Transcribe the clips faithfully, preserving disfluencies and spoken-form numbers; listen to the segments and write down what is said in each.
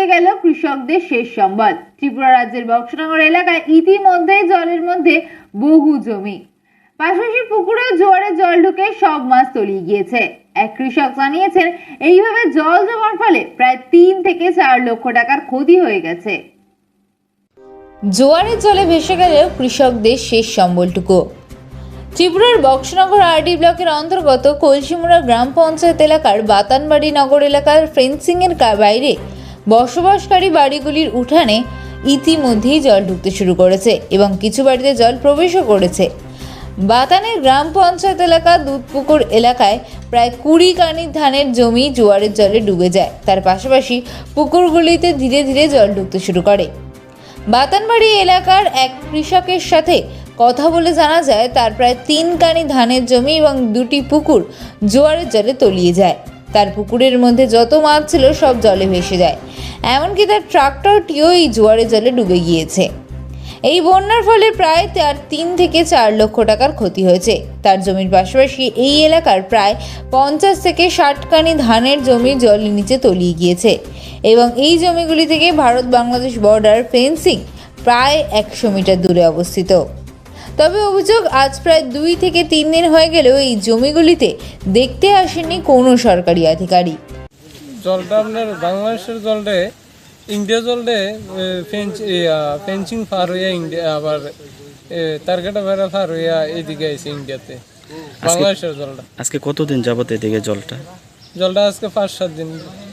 ফুরিয়ে গেল কৃষকদের শেষ সম্বল। ত্রিপুরা রাজ্যের বক্সনগর এলাকায় ইতিমধ্যেই জলের মধ্যে বহু জমি, পাশাপাশি পুকুরেও জোয়ারের জল ঢুকে সব মাছ তলিয়ে গিয়েছে। এক কৃষক জানিয়েছেন, এইভাবে জল জমার ফলে প্রায় তিন থেকে চার লক্ষ টাকার ক্ষতি হয়ে গেছে। জোয়ারের জলে ভেসে গেলেও কৃষকদের শেষ সম্বলটুকু। ত্রিপুরার বক্সনগর আরডি ব্লকের অন্তর্গত কলসিমুড়া গ্রাম পঞ্চায়েত এলাকার বাতানবাড়ি নগর এলাকার ফেন্সিং এর বাইরে বসবাসকারী বাড়িগুলির উঠানে ইতিমধ্যেই জল ঢুকতে শুরু করেছে এবং কিছু বাড়িতে জল প্রবেশও করেছে। বাতানের গ্রাম পঞ্চায়েত এলাকা দুধপুকুর এলাকায় প্রায় কুড়ি কানি ধানের জমি জোয়ারের জলে ডুবে যায়। তার পাশাপাশি পুকুরগুলিতে ধীরে ধীরে জল ঢুকতে শুরু করে। বাতানবাড়ি এলাকার এক কৃষকের সাথে কথা বলে জানা যায়, তার প্রায় তিন কানি ধানের জমি এবং দুটি পুকুর জোয়ারের জলে তলিয়ে যায়। তার পুকুরের মধ্যে যত মাছ ছিল সব জলে ভেসে যায়, এমনকি তার ট্রাক্টরটিও এই জোয়ারের জলে ডুবে গিয়েছে। এই বন্যার ফলে প্রায় তার তিন থেকে চার লক্ষ টাকার ক্ষতি হয়েছে। তার জমির পাশাপাশি এই এলাকার প্রায় পঞ্চাশ থেকে ষাট কানি ধানের জমি জলের নিচে তলিয়ে গিয়েছে এবং এই জমিগুলি থেকে ভারত বাংলাদেশ বর্ডার ফেন্সিং প্রায় একশো মিটার দূরে অবস্থিত। তবে অভিযোগ, আজ প্রায় দুই থেকে তিন দিন হয়ে গেলেও এই জমিগুলিতে দেখতে আসেনি কোনো সরকারি আধিকারিক। জলটা আপনার বাংলাদেশের জলটা ইন্ডিয়া জলটা ফেন্সিং পার হইয়া ইন্ডিয়া আবার তারকাটা বেড়া পার হইয়া এদিকে আছে ইন্ডিয়াতে। বাংলাদেশের জলটা আজকে কতদিন যাবত এদিকে জলটা জলটা আজকে পাঁচ সাত দিন।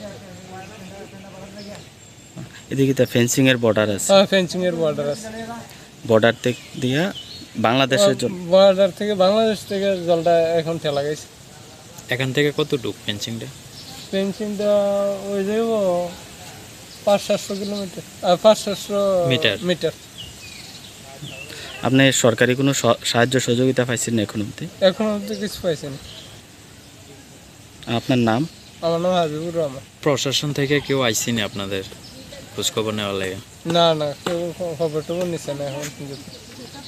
এদিকে তো ফেন্সিং এর বর্ডার আছে। হ্যাঁ, ফেন্সিং এর বর্ডার আছে। বর্ডার থেকে দিয়া বাংলাদেশের জল, বর্ডার থেকে বাংলাদেশ থেকে জলটা এখন ঠেলা গেছে। এখান থেকে কতটুক ফেন্সিংটা? ফেন্সিংটা ওই যাব পাঁচ সাতশো কিলোমিটার পাঁচ সাতশো মিটার মিটার। আপনি সরকারি কোনো সাহায্য সহযোগিতা পাইছেন না এখন অবধি? এখন অবধি কিছু পাইছেন। আপনার নাম? আমার নাম হাবিবুর রহমান। প্রশাসন থেকে কেউ আইসিনি আপনাদের খোঁজখবর নেওয়ার লাগে? না না, কেউ খবর টবর নিচ্ছে না এখন পর্যন্ত।